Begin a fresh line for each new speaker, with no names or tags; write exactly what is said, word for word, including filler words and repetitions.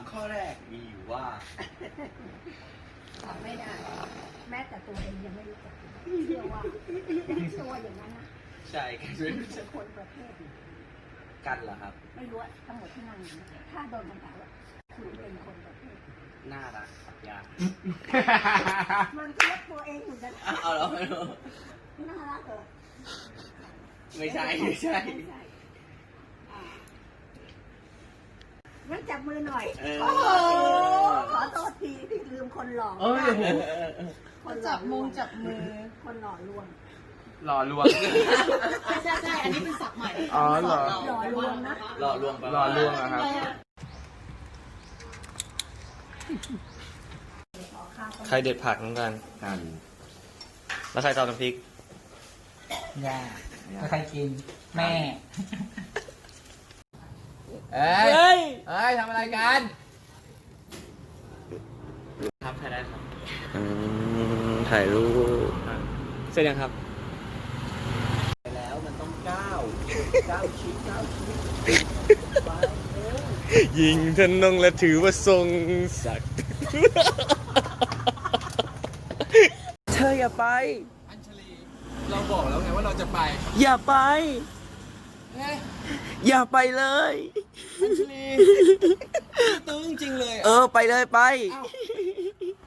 ข้อแรกมีอยู่ว่า
ทำไม่ได้ แม้แต่ตัวเองยังไม่รู้จักเชื่อว่าตัวอย่างนั้นนะ
ใช่กันไม่รู้
เป็
จัก
นคนประเภท
กันเหรอครับ
ไม่รู้ทั้งหมดที่นั่งอยู่ถ้าโดนคำถามว่าคุณเป็นคนประเภท
น่ารักครับยา
มันเทียบตัวเองเหมือนกัน
เอาแล้วไม่รู้
น่ารักเหรอ
ไม่ใช่ไม่ใช่
ไม่ใช่อ่างั้นจับมือหน่อย
เออ
โอ้โหขอโทษทีที่ลืมคนหล่อ
เอ้ย
คนหล่อ
จับมงจับมือ
คนหล่อลวง
หล่อลวง
ใช่ใช่ใช่อันนี้เป็นศัพท์ใหม่
อ๋อเหรอ
หล่อลวงนะ
หล่อลวงไป
หล่อลวงเหรอครับ
ใครเด็ดผักน้องกัน
กัน
แล้วใครตำน้ำพริก
ย่าแล้วใครกิน แม่ เอ้ย เอ้ยทำอะไรกัน
ครับถ่ายได้ครับอืมถ่ายรูปเสร็จยังครับ
ไปแล้วมันต้องก้าวก้าวชิ้นก้าวชิ้นไปเร็ว
ยิงทะนงและถือว่าทรงศักดิ์ เธออย่าไป
อัญชลี เราบอกแล้วไงว่าเราจะไป
อย่าไป
เฮ้ย
อย่าไปเลย
อัญชลี ตื้อจริงๆเลย
เออไปเลยไป
เอ้า